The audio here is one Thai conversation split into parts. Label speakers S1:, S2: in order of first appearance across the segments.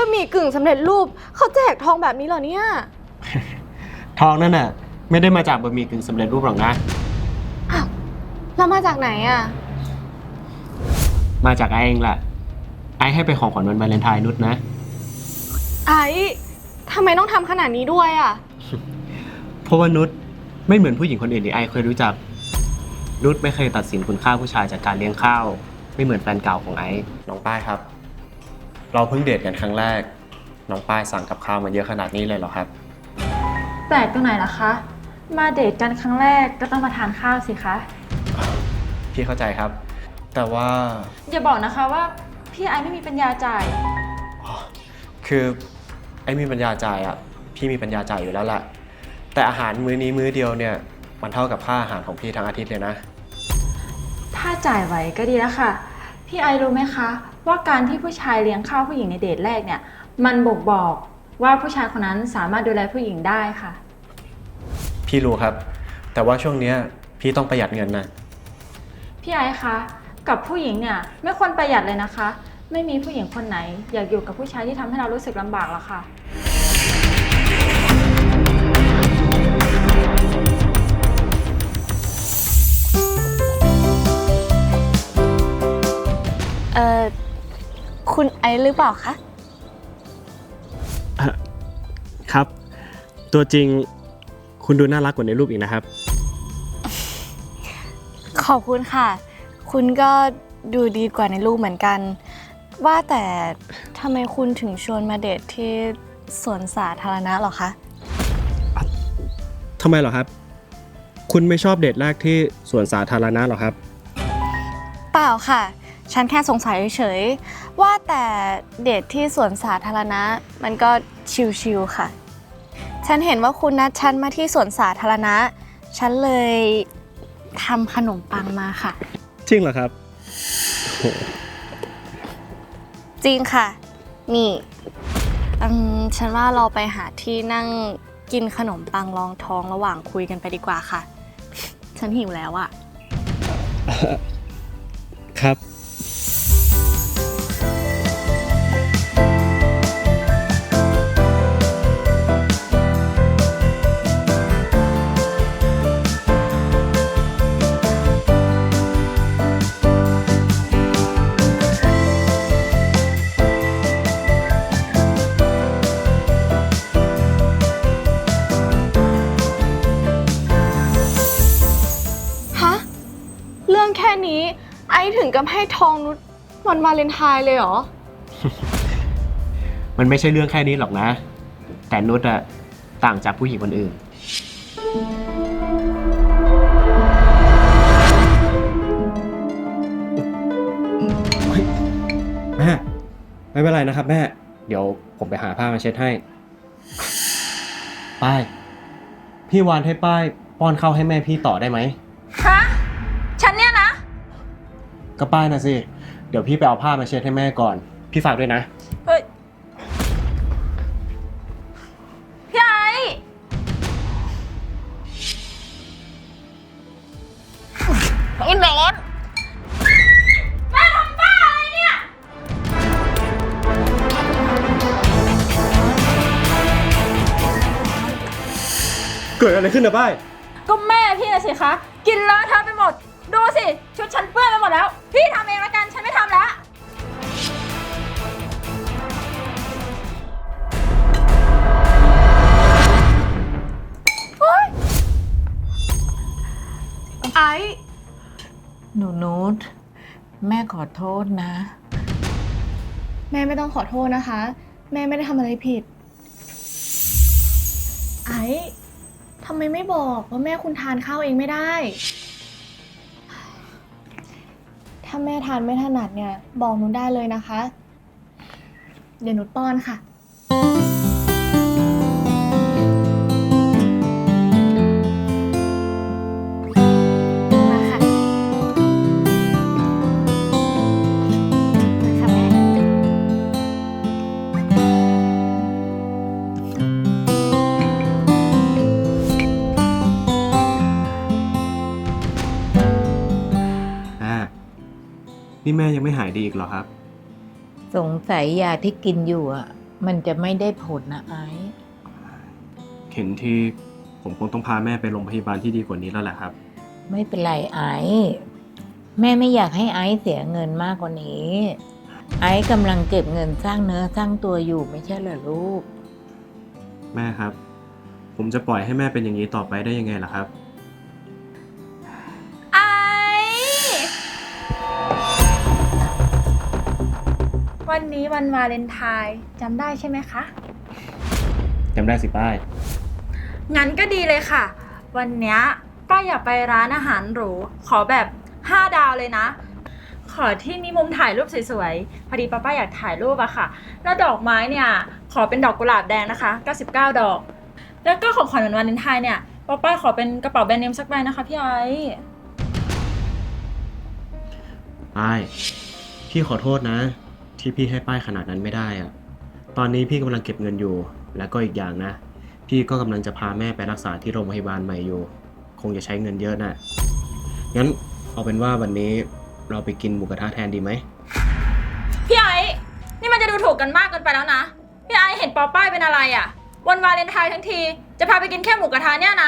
S1: ะหมี่กึ่งสำเร็จรูปเขาแจกทองแบบนี้เหรอเนี่ย
S2: ทองนั่นน่ะไม่ได้มาจากบะหมี่กึ่งสำเร็จรูปหรอกนะ
S1: อ้าวเรามาจากไหนอ่ะ
S2: มาจากไอ้เองแหละไอ้ให้ไปของขวัญวันวาเลนไทน์นุชนะ
S1: ไอ้ทำไมต้องทำขนาดนี้ด้วยอ่ะ
S2: เพราะว่านุชไม่เหมือนผู้หญิงคนอื่นที่ไอ้เคยรู้จัก นุชไม่เคยตัดสินคุณค่าผู้ชายจากการเลี้ยงข้าว ไม่เหมือนแฟนเก่าของไอ้น้องป้ายครับ เราเพิ่งเดทกันครั้งแรก น้องป้ายสั่งกับข้าวมาเยอะขนาดนี้เลยเหรอครับ
S3: แปลกตรงไหนล่ะคะ มาเดทกันครั้งแรกก็ต้องมาทานข้าวสิคะ
S2: พี่เข้าใจครับ แต่ว่า
S3: อย่าบอกนะคะว่าพี่ไอไม่มีปัญญาจ่าย
S2: คือไอ้มีปัญญาจ่ายอ่ะพี่มีปัญญาจ่ายอยู่แล้วแหละแต่อาหารมื้อนี้มื้อเดียวเนี่ยมันเท่ากับค่าอาหารของพี่ทั้งอาทิตย์เลยนะ
S3: ถ้าจ่ายไหวก็ดีแล้วค่ะ พี่ไอรู้ไหมคะ ว่าการที่ผู้ชายเลี้ยงข้าวผู้หญิงในเดทแรกเนี่ย มันบ่งบอกว่าผู้ชายคนนั้นสามารถดูแลผู้หญิงได้ค่ะ
S2: พี่รู้ครับ แต่ว่าช่วงเนี้ยพี่ต้องประหยัดเงินนะ
S3: พี่ไอคะ กับผู้หญิงเนี่ยไม่ควรประหยัดเลยนะคะ ไม่มีผู้หญิงคนไหน อยากอยู่กับผู้ชายที่ทำให้เรารู้สึกลำบากหรอกค่ะ
S1: เอ่อ คุณไอซ์หรือเปล่าคะ
S2: ครับ ตัวจริงคุณดูน่ารักกว่าในรูปอีกนะครับ
S1: ขอบคุณค่ะ คุณก็ดูดีกว่าในรูปเหมือนกัน ว่าแต่ทำไมคุณถึงชวนมาเดทที่สวนสาธารณะเหรอคะ
S2: ทำไมเหรอครับ คุณไม่ชอบเดทแรกที่สวนสาธารณะหรอครับ
S1: เปล่าค่ะ ฉันแค่สงสัยเฉยๆว่าแต่เดทที่สวนสาธารณะมันก็ชิลๆค่ะ ฉันเห็นว่าคุณนัดฉันมาที่สวนสาธารณะ ฉันเลยทำขนมปังมาค่ะ
S2: จริงเหรอครับ
S1: จริงค่ะ นี่ฉันว่าเราไปหาที่นั่งกินขนมปังรองท้องระหว่างคุยกันไปดีกว่าค่ะ ฉันหิวแล้วอะ
S2: ครับ
S1: ฮะ เรื่องแค่นี้ไอถึงกับให้ทองนุชวันวาเลนไทน์เลยเหรอ
S2: มันไม่ใช่เรื่องแค่นี้หรอกนะ แต่นุชอะต่างจากผู้หญิงคนอื่น แม่ ไม่เป็นไรนะครับแม่ เดี๋ยวผมไปหาผ้ามาเช็ดให้ ป้าย พี่วานให้ป้ายป้อนข้าวให้แม่พี่ต่อได้ไหม
S3: ฮะ ฉันเนี่ยนะ
S2: ก็ป้ายนะสิ เดี๋ยวพี่ไปเอาผ้ามาเช็ดให้แม่ก่อน พี่ฝากด้วยนะ
S3: เฮ้ย พี่ไอ
S1: ไอ้แมน
S3: แม่ทำบ้าอะไรเนี่ย
S2: เกิดอะไรขึ้นนะป้าย
S3: ก็แม่พี่นะสิคะ กินเลอะเทอะไปหมด ดูสิ ชุดฉันเปื้อนไปหมดแล้ว พี่ทำเองละกัน ฉันไม่ทำแล้ว
S1: ไอ
S4: หนูนุชแม่ขอโทษนะ
S1: แม่ไม่ต้องขอโทษนะคะ แม่ไม่ได้ทำอะไรผิด ไอทำไมไม่บอกว่าแม่คุณทานข้าวเองไม่ได้ ถ้าแม่ทานไม่ถนัดเนี่ย บอกนุชได้เลยนะคะ เดี๋ยวนุชป้อนค่ะ มาค่ะ มาค่ะแม่
S2: นี่แม่ยังไม่หายดีอีกเหรอครับ
S4: สงสัยยาที่กินอยู่อะมันจะไม่ได้ผลนะไอซ์
S2: เห็นที่ผมคงต้องพาแม่ไปโรงพยาบาลที่ดีกว่านี้แล้วแหละครับ
S4: ไม่เป็นไรไอซ์แม่ไม่อยากให้ไอซ์เสียเงินมากกว่านี้ ไอซ์กำลังเก็บเงินสร้างเนื้อสร้างตัวอยู่ไม่ใช่เหรอลูก
S2: แม่ครับ ผมจะปล่อยให้แม่เป็นอย่างนี้ต่อไปได้ยังไงล่ะครับ
S3: ไอวันนี้วันวาเลนไทน์จำได้ใช่ไหมคะ
S2: จำได้สิป้าย
S3: งั้นก็ดีเลยค่ะ วันเนี้ยป้าอยากไปร้านอาหารหรู ขอแบบ 5 ดาวเลยนะ ขอที่มีมุมถ่ายรูปสวยๆ พอดีป้าอยากถ่ายรูปอะค่ะ แล้วดอกไม้เนี่ย ขอเป็นดอกกุหลาบแดงนะคะ 99 ดอก แล้วก็ของขวัญวันวาเลนไทน์เนี่ยป้าขอเป็นกระเป๋าแบรนด์เนมสักใบนะคะพี่ไอซ์
S2: ป้าย พี่ขอโทษนะ ที่พี่ให้ป้ายขนาดนั้นไม่ได้อะตอนนี้พี่กำลังเก็บเงินอยู่ แล้วก็อีกอย่างนะ พี่ก็กำลังจะพาแม่ไปรักษาที่โรงพยาบาลใหม่อยู่ คงจะใช้เงินเยอะนะงั้นเอาเป็นว่าวันนี้เราไปกินหมูกระทะแทนดีไหม
S3: พี่ไอซ์นี่มันจะดูถูกกันมากเกินไปแล้วนะ พี่ไอซ์เห็นป้ายเป็นอะไรอะวันวาเลนไทน์ทั้งที จะพาไปกินแค่หมูกระทะเนี่ยนะ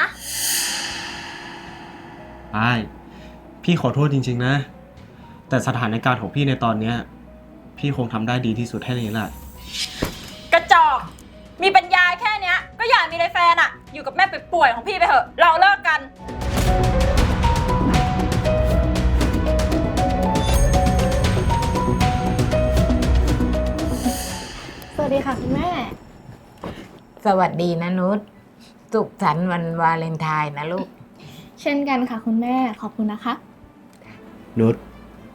S2: ป้าย พี่ขอโทษจริงๆนะ แต่สถานการณ์ของพี่ในตอนเนี้ยพี่คงทำได้ดีที่สุดแค่นี้แหละ
S3: กระจอก มีปัญญาแค่เนี้ย ก็อย่ามีเลยแฟนอะอยู่กับแม่ป่วยๆของพี่ไปเถอะ เราเลิกกัน
S1: สวัสดีค่ะคุณแม่
S4: สวัสดีนะนุชสุขสันต์วันวาเลนไทน์นะลูก
S1: เช่นกันค่ะคุณแม่ขอบคุณนะคะ
S2: นุช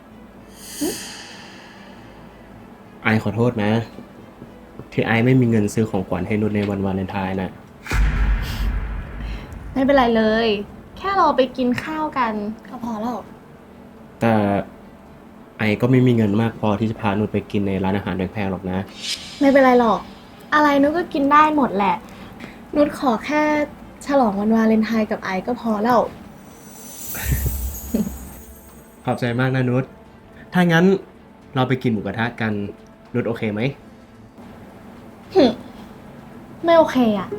S2: ไอขอโทษนะ ที่ไอไม่มีเงินซื้อของขวัญให้นุชในวันวาเลนไทน์น่ะ
S1: ไม่เป็นไรเลย แค่เราไปกินข้าวกันก็พอแล้ว
S2: แต่ไอก็ไม่มีเงินมากพอที่จะพานุชไปกินในร้านอาหารแพงๆหรอกนะ
S1: ไม่เป็นไรหรอก อะไรนุชก็กินได้หมดแหละ นุชขอแค่ฉลองวันวาเลนไทน์กับไอซ์ก็พอแล้ว
S2: ขอบใจมากนะนุช ถ้างั้นเราไปกินหมูกระทะกัน นุชโอเคไหม
S1: ไม่โอเคอะ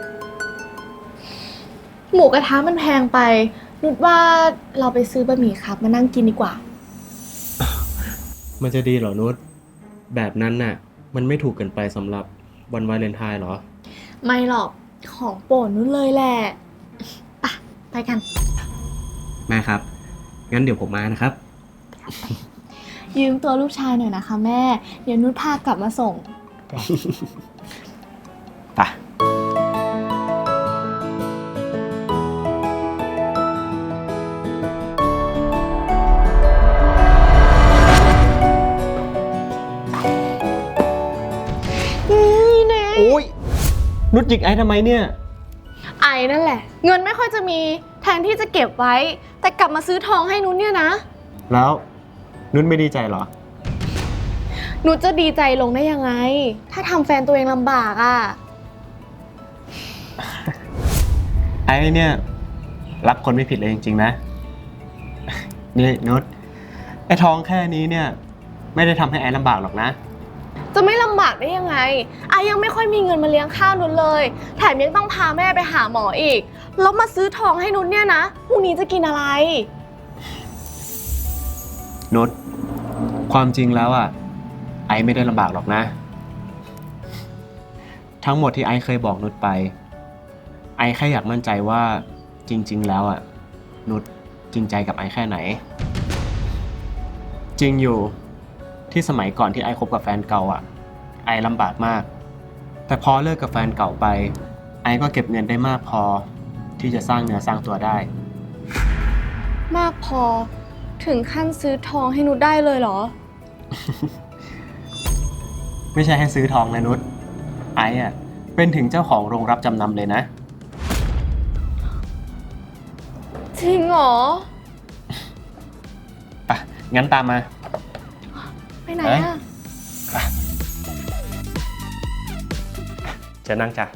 S1: หมูกระทะมันแพงไป นุชว่าเราไปซื้อบะหมี่ครับมานั่งกินดีกว่า
S2: มันจะดีเหรอนุช แบบนั้นน่ะ มันไม่ถูกเกินไปสำหรับวันวาเลนไทน์เหรอ
S1: ไม่หรอก ของโปรดนุชเลยแหละไปกัน
S2: แม่ครับ งั้นเดี๋ยวผมมานะครับ
S1: ยืมตัวลูกชายหน่อยนะคะแม่ เดี๋ยวนุชพากลับมาส่ง
S2: ไป โอ้ย นุชหยิกไอ้ทำไมเนี่ย
S1: ไอ้นั่นแหละ เงินไม่ค่อยจะมีแทนที่จะเก็บไว้ แต่กลับมาซื้อทองให้นุชเนี่ยนะ
S2: แล้วนุชไม่ดีใจเหรอ
S1: นุชจะดีใจลงได้ยังไง ถ้าทำแฟนตัวเองลำบากอ่ะ
S2: ไอ้เนี่ยรักคนไม่ผิดเลยจริงๆนะ นี่นุชไอ้ท้องแค่นี้เนี่ย ไม่ได้ทำให้ไอ้ลำบากหรอกนะ
S1: จะไม่ลำบากได้ยังไงไอ้ยังไม่ค่อยมีเงินมาเลี้ยงข้าวนุชเลย แถมยังต้องพาแม่ไปหาหมออีก แล้วมาซื้อทองให้นุชเนี่ยนะพรุ่งนี้จะกินอะไร
S2: นุชความจริงแล้วอ่ะ ไอ้ไม่ได้ลำบากหรอกนะ ทั้งหมดที่ไอ้เคยบอกนุชไป ไอ้แค่อยากมั่นใจว่าจริงๆแล้วอ่ะ นุชจริงใจกับไอ้แค่ไหน จริงอยู่ที่สมัยก่อนที่ไอ้คบกับแฟนเก่าอ่ะ ไอ้ลำบากมาก แต่พอเลิกกับแฟนเก่าไป ไอ้ก็เก็บเงินได้มากพอที่จะสร้างเนื้อสร้างตัวได้
S1: มากพอถึงขั้นซื้อทองให้นุชได้เลยเหรอ
S2: ไม่ใช่ให้ซื้อทองนะนุช ไอ้อ่ะเป็นถึงเจ้าของโรงรับจำนำเลยนะ
S1: จริงเหรอ
S2: อ่ะ งั้นตามมา
S1: ไปไหน
S2: เอ้ย
S1: อะ
S2: จะนั่งจ้ะ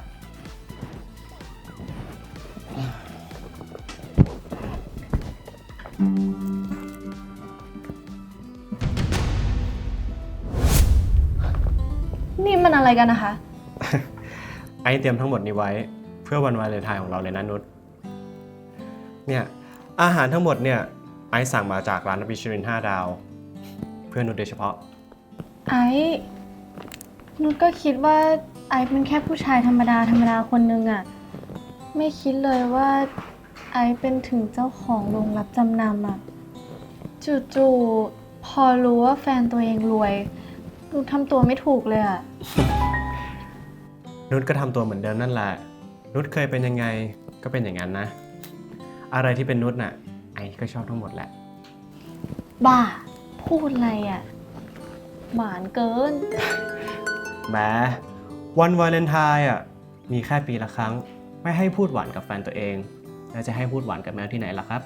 S1: นี่มันอะไรกันนะคะ
S2: ไอซ์เตรียมทั้งหมดนี้ไว้เพื่อวันวาเลนไทน์ของเราเลยนะนุชเนี่ยอาหารทั้งหมดเนี่ยไอซ์สั่งมาจากร้านมิชลิน5 ดาว เพื่อนุชโดยเฉพาะ
S1: ไอ้นุชก็คิดว่าไอ้เป็นแค่ผู้ชายธรรมดาคนนึงอะไม่คิดเลยว่าไอ้เป็นถึงเจ้าของโรงรับจำนำอะจู่ๆพอรู้ว่าแฟนตัวเองรวยนุชทำตัวไม่ถูกเลยอะ
S2: นุชก็ทำตัวเหมือนเดิมนั่นแหละ นุชเคยเป็นยังไงก็เป็นอย่างนั้นนะ อะไรที่เป็นนุชน่ะไอซ์ก็ชอบทั้งหมดแหละ
S1: บ้า พูดอะไรอะหวานเกิน
S2: แหมวันวาเลนไทน์อ่ะมีแค่ปีละครั้ง ไม่ให้พูดหวานกับแฟนตัวเอง แล้วจะให้พูดหวานกับแมวที่ไหนล่ะครับ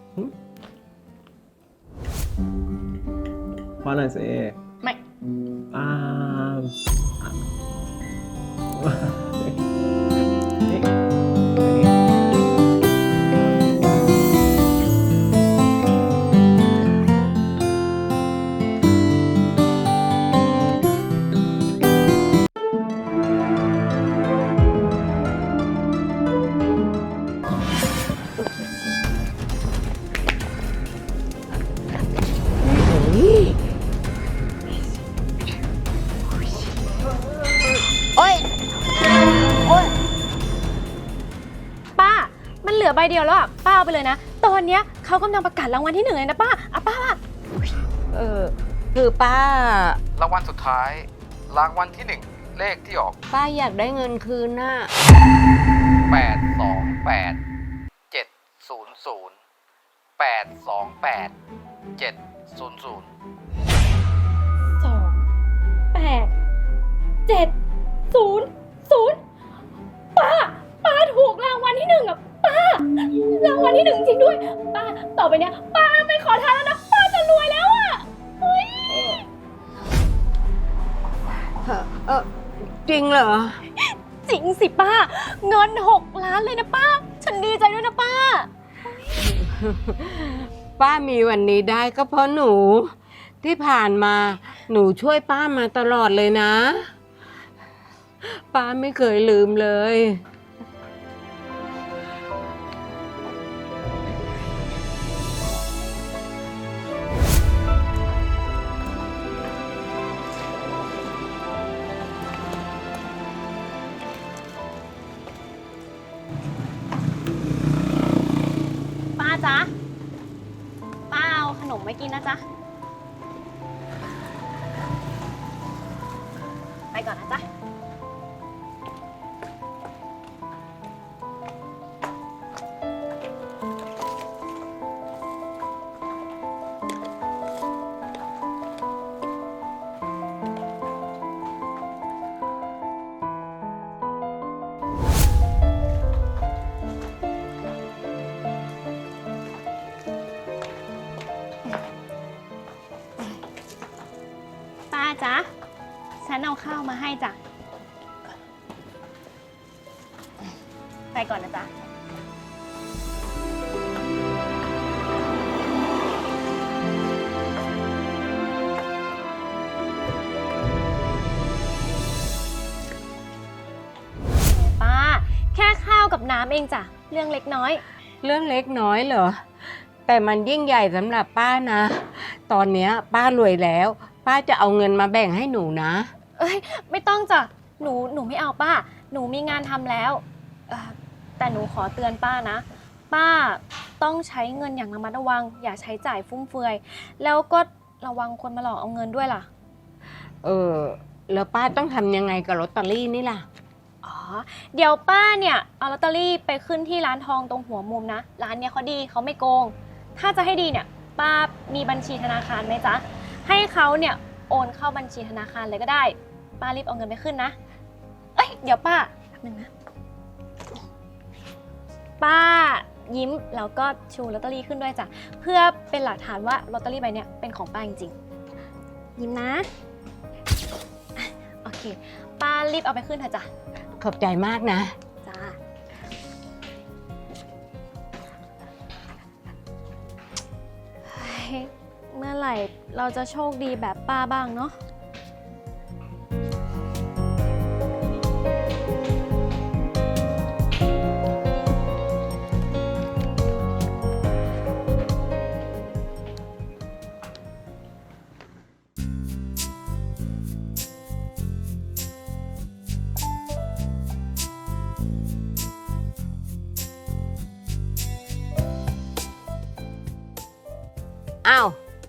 S2: ว่าอะไรสิ
S1: ไม่
S2: อ่า
S1: ป้า มันเหลือใบเดียวแล้วอะป้าเอาไปเลยนะ ตอนเนี้ยเขากำลังประกาศรางวัลที่1เลยนะป้าอ่ะป้า
S4: คือป้า
S5: รางวัลสุดท้าย รางวัลที่ 1 เลขที่ออก
S4: ป้าอยากได้เงินคืนน่ะ
S5: 828 700 828 700
S1: 28700ป้าถูกรางวัลที่1อ่ะป้ารางวัลที่1จริงด้วยป้าต่อไปเนี้ยป้าไม่ขอทานแล้วนะป้าจะรวยแล้วอ่ะเฮ้ย
S4: จริงเหรอ
S1: จริงสิป้า เงิน6 ล้านเลยนะป้า ฉันดีใจด้วยนะป้า
S4: ป้ามีวันนี้ได้ก็เพราะหนู ที่ผ่านมาหนูช่วยป้ามาตลอดเลยนะ ป้าไม่เคยลืมเลย
S1: ป้าจ๊ะ ป้าเอาขนมไว้กินนะจ๊ะ ไปก่อนนะจ๊ะ ป้าจ๊ะ ฉันเอาข้าวมาให้จ้ะ ไปก่อนนะจ๊ะ ป้า แค่ข้าวกับน้ำเองจ้ะ เรื่องเล็กน้อย
S4: เรื่องเล็กน้อยเหรอ แต่มันยิ่งใหญ่สำหรับป้านะ ตอนเนี้ยป้ารวยแล้ว ป้าจะเอาเงินมาแบ่งให้หนูนะ
S1: เอ้ย ไม่ต้องจ้ะ หนูไม่เอาป้า หนูมีงานทำแล้วแต่หนูขอเตือนป้านะ ป้าต้องใช้เงินอย่างระมัดระวัง อย่าใช้จ่ายฟุ่มเฟือย แล้วก็ระวังคนมาหลอกเอาเงินด้วยล่ะ
S4: แล้วป้าต้องทำยังไงกับลอตเตอรี่นี่ล่ะ
S1: อ๋อ เดี๋ยวป้าเนี่ยเอาลอตเตอรี่ไปขึ้นที่ร้านทองตรงหัวมุมนะ ร้านเนี้ยเขาดีเขาไม่โกง ถ้าจะให้ดีเนี่ย ป้ามีบัญชีธนาคารไหมจ๊ะ ให้เขาเนี่ยโอนเข้าบัญชีธนาคารเลยก็ได้ ป้ารีบเอาเงินไปขึ้นนะ เอ้ย เดี๋ยวป้าแป๊บนึงนะ ป้ายิ้มแล้วก็ชูลอตเตอรี่ขึ้นด้วยจ้ะ เพื่อเป็นหลักฐานว่าลอตเตอรี่ใบเนี้ยเป็นของป้าจริงๆ ยิ้มนะอ่ะโอเค ป้ารีบเอาไปขึ้นเถอะจ้ะ
S4: ขอบใจมากนะ
S1: จ้า เฮ้ย เมื่อไหร่เราจะโชคดีแบบป้าบ้างเนาะ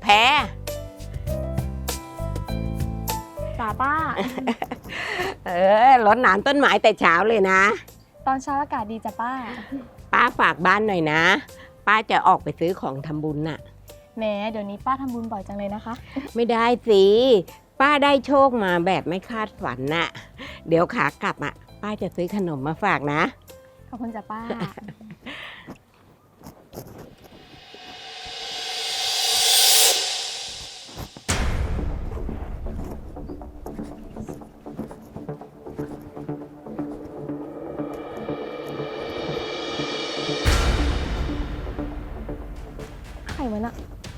S4: แพ้
S1: จ้าป้า
S6: รดน้ำต้นไม้แต่เช้าเลยนะ
S1: ตอนเช้าอากาศดีจ้ะป้า
S6: ป้าฝากบ้านหน่อยนะ ป้าจะออกไปซื้อของทำบุญน่ะ
S1: แหมเดี๋ยวนี้ป้าทำบุญบ่อยจังเลยนะคะ
S6: ไม่ได้สิ ป้าได้โชคมาแบบไม่คาดฝันน่ะ เดี๋ยวขากลับอ่ะ ป้าจะซื้อขนมมาฝากนะ
S1: ขอบคุณจ้ะป้า ใครวะน่ะ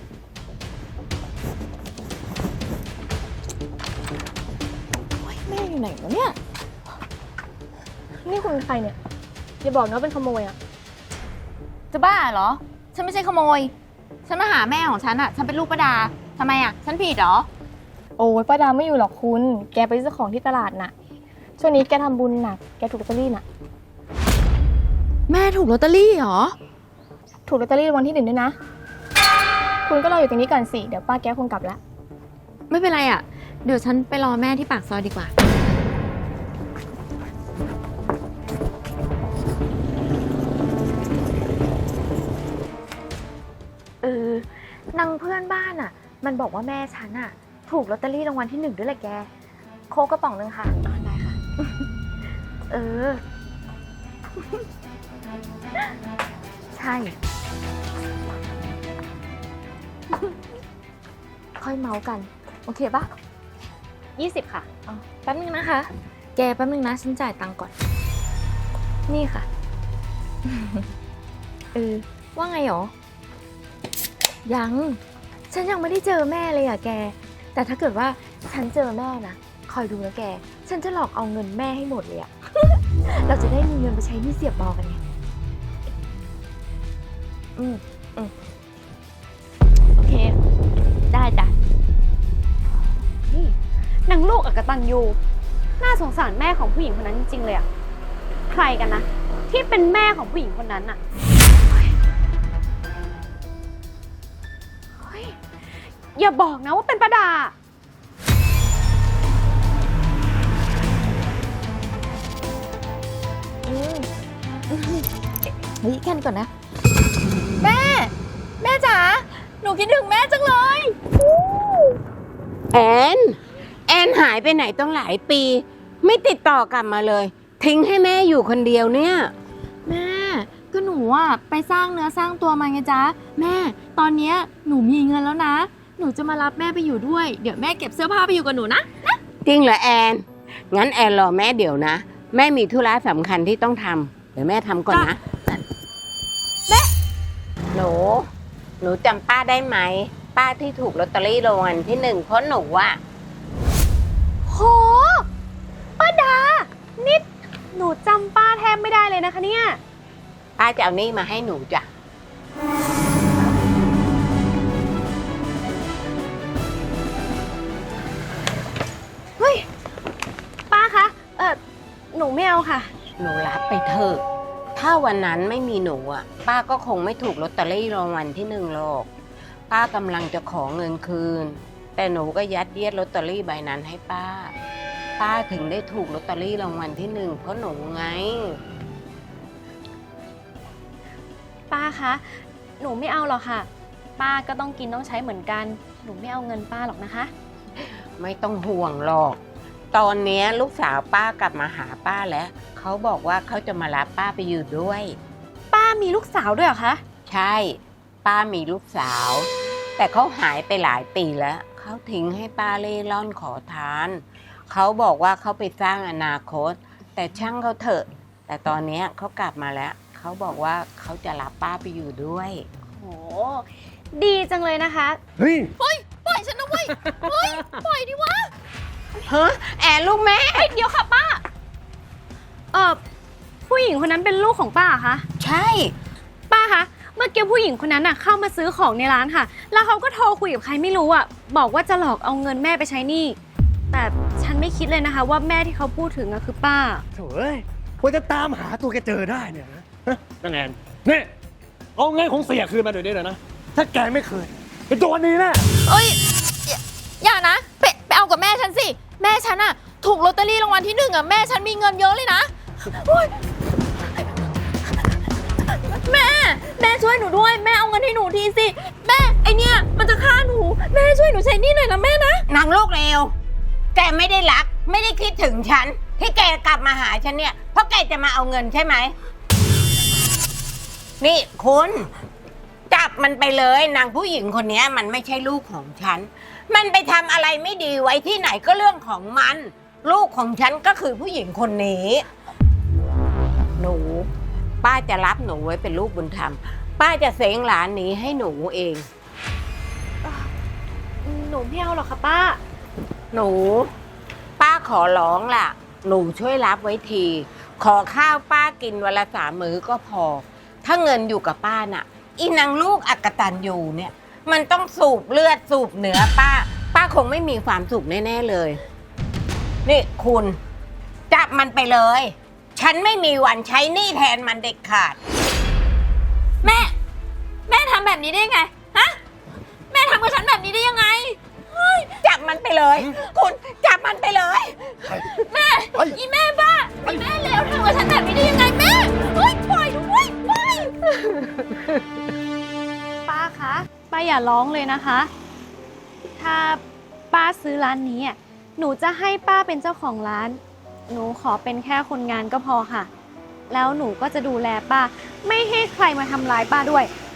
S1: โอ๊ยแม่อยู่ไหนวะเนี่ย นี่คุณเป็นใครเนี่ย อย่าบอกนะว่าเป็นขโมยอะ
S7: จะบ้าเหรอ ฉันไม่ใช่ขโมย ฉันมาหาแม่ของฉันอะฉันเป็นลูกป้าดาทำไมอะฉันผิดเหรอ
S1: โอ้ยป้าดาไม่อยู่หรอกคุณ แกไปซื้อของที่ตลาดน่ะ ช่วงนี้แกทำบุญหนัก แกถูกลอตเตอรี่น่ะ
S7: แม่ถูกลอตเตอรี่เหรอ
S1: ถูกลอตเตอรี่รางวัลที่ 1ด้วยนะ คุณก็รออยู่ตรงนี้ก่อนสิ เดี๋ยวป้าแกคงกลับแล้ว
S7: ไม่เป็นไรอะเดี๋ยวฉันไปรอแม่ที่ปากซอยดีกว่า
S1: นางเพื่อนบ้านอ่ะ มันบอกว่าแม่ฉันอ่ะ ถูกลอตเตอรี่รางวัลที่ 1ด้วยแหละแก โค้กกระป๋องนึงค่ะได้ค่ะ ใช่ ค่อยเมาส์กัน โอเคปะ20 ค่ะแป๊บนึงนะคะ
S7: แกแป๊บนึงนะฉันจ่ายตังค์ก่อน
S1: นี่ค่ะ
S7: ว่าไงหรอ ยัง ฉันยังไม่ได้เจอแม่เลยอะแก แต่ถ้าเกิดว่าฉันเจอแม่นะ คอยดูนะแก ฉันจะหลอกเอาเงินแม่ให้หมดเลยอะ เราจะได้มีเงินไปใช้หนี้เสียบบอกันไงโอเค ได้จ้ะ
S1: นี่นางลูกอกตันยูน่าสงสารแม่ของผู้หญิงคนนั้นจริงๆเลยอะใครกันนะ ที่เป็นแม่ของผู้หญิงคนนั้นอะเฮ้ยอย่าบอกนะว่าเป็นป้าดา
S7: เฮ้ยแค่นี้ก่อนนะ แม่จ๋า หนูคิดถึงแม่จังเลย
S6: แอนหายไปไหนต้องหลายปี ไม่ติดต่อกลับมาเลย ทิ้งให้แม่อยู่คนเดียวเนี่ย
S7: แม่ ก็หนูอะไปสร้างเนื้อสร้างตัวมาไงจ๊ะ แม่ ตอนเนี้ยหนูมีเงินแล้วนะ หนูจะมารับแม่ไปอยู่ด้วย เดี๋ยวแม่เก็บเสื้อผ้าไปอยู่กับหนูนะ
S6: จริงเหรอแอน งั้นแอนรอแม่เดี๋ยวนะ แม่มีธุระสำคัญที่ต้องทำเดี๋ยวแม่ทำก่อนนะ หนูจำป้าได้ไหม ป้าที่ถูกลอตเตอรี่รางวัลที่ 1เพราะหนูอะ
S1: โห ป้าดา นิด หนูจำป้าแทบไม่ได้เลยนะคะเนี่ย
S6: ป้าจะเอานี่มาให้หนูจ้ะ
S1: ป้าคะ หนูไม่เอาค่ะ
S6: หนูรับไปเถอะ ถ้าวันนั้นไม่มีหนูอ่ะ ป้าก็คงไม่ถูกลอตเตอรี่รางวัลที่ 1หรอก ป้ากำลังจะขอเงินคืน แต่หนูก็ยัดเยียดลอตเตอรี่ใบนั้นให้ป้า ป้าถึงได้ถูกลอตเตอรี่รางวัลที่ 1เพราะหนูไง
S1: ป้าคะ หนูไม่เอาหรอกค่ะ ป้าก็ต้องกินต้องใช้เหมือนกัน หนูไม่เอาเงินป้าหรอกนะคะ
S6: ไม่ต้องห่วงหรอก ตอนเนี้ยลูกสาวป้ากลับมาหาป้าแล้ว เขาบอกว่าเขาจะมารับป้าไปอยู่ด้วย
S1: ป้ามีลูกสาวด้วยเหรอคะ
S6: ใช่ ป้ามีลูกสาว แต่เขาหายไปหลายปีแล้ว เขาทิ้งให้ป้าเล่ร่อนขอทาน เขาบอกว่าเขาไปสร้างอนาคต แต่ช่างเขาเถอะ แต่ตอนเนี้ยเขากลับมาแล้ว เขาบอกว่าเขาจะรับป้าไปอยู่ด้วย
S1: โห ดีจังเลยนะคะ
S2: เฮ้ย
S7: ปล่อยฉันนะเว้ย เฮ้ย ปล่อยดิวะ
S6: เฮ้แอนลูกแม่
S1: เดี๋ยวค่ะป้า ผู้หญิงคนนั้นเป็นลูกของป้าเหรอคะ
S6: ใช่
S1: ป้าคะ เมื่อกี้ผู้หญิงคนนั้นน่ะเข้ามาซื้อของในร้านค่ะ แล้วเขาก็โทรคุยกับใครไม่รู้อ่ะ บอกว่าจะหลอกเอาเงินแม่ไปใช้หนี้ แต่ฉันไม่คิดเลยนะคะ ว่าแม่ที่เขาพูดถึงอะคือป้า
S2: โถ่เอ้ยกว่าจะตามหาตัวแกเจอได้เนี่ยนะนางแอนนี่เอาเงินของเสียคืนมาเดี๋ยวนี้เลยนะ ถ้าแกไม่คืนเป็นตัวนี้แน่
S7: เอ้ยอย่านะไปเอากับแม่ฉันสิ แม่ฉันอะถูกลอตเตอรี่รางวัลที่1อะแม่ฉันมีเงินเยอะเลยนะโอ๊ยแม่ช่วยหนูด้วย แม่เอาเงินให้หนูทีสิ แม่ไอเนี่ยมันจะฆ่าหนู แม่ช่วยหนูใช้หนี่หน่อยนะแม่นะ
S6: นางลูกเร็ว แกไม่ได้รัก ไม่ได้คิดถึงฉัน ที่แกกลับมาหาฉันเนี่ย เพราะแกจะมาเอาเงินใช่ไหม นี่คุณจับมันไปเลยนางผู้หญิงคนนี้มันไม่ใช่ลูกของฉัน มันไปทำอะไรไม่ดีไว้ที่ไหนก็เรื่องของมัน ลูกของฉันก็คือผู้หญิงคนนี้ หนู ป้าจะรับหนูไว้เป็นลูกบุญธรรม ป้าจะเซ้งหลานนี้ให้หนูเอง
S7: หนูไม่เอาหรอกค่ะป้า
S6: หนู ป้าขอร้องล่ะ หนูช่วยรับไว้ที ขอข้าวป้ากินวันละ3 มื้อก็พอ ถ้าเงินอยู่กับป้าน่ะ อีนางลูกอักตันอยู่เนี่ย มันต้องสูบเลือดสูบเนื้อป้า ป้าคงไม่มีความสุขแน่ๆเลย นี่คุณ จับมันไปเลย ฉันไม่มีวันใช้หนี้แทนมันเด็ดขาด
S7: แม่ทำแบบนี้ได้ไง ฮะ แม่ทำกับฉันแบบนี้ได้ยังไง
S6: จับมันไปเลย คุณจับมันไปเลย
S7: อีแม่บ้าอีแม่เลวทำกับฉันแบบนี้ได้ยังไงแม่เฮ้ยปล่อยด้วยปล่อยป้าคะป้าอย่าร้องเลยนะคะ ถ้าป้าซื้อร้านนี้หนูจะให้ป้าเป็นเจ้าของร้าน หนูขอเป็นแค่คนงานก็พอค่ะ แล้วหนูก็จะดูแลป้า ไม่ให้ใครมาทำร้ายป้าด้วย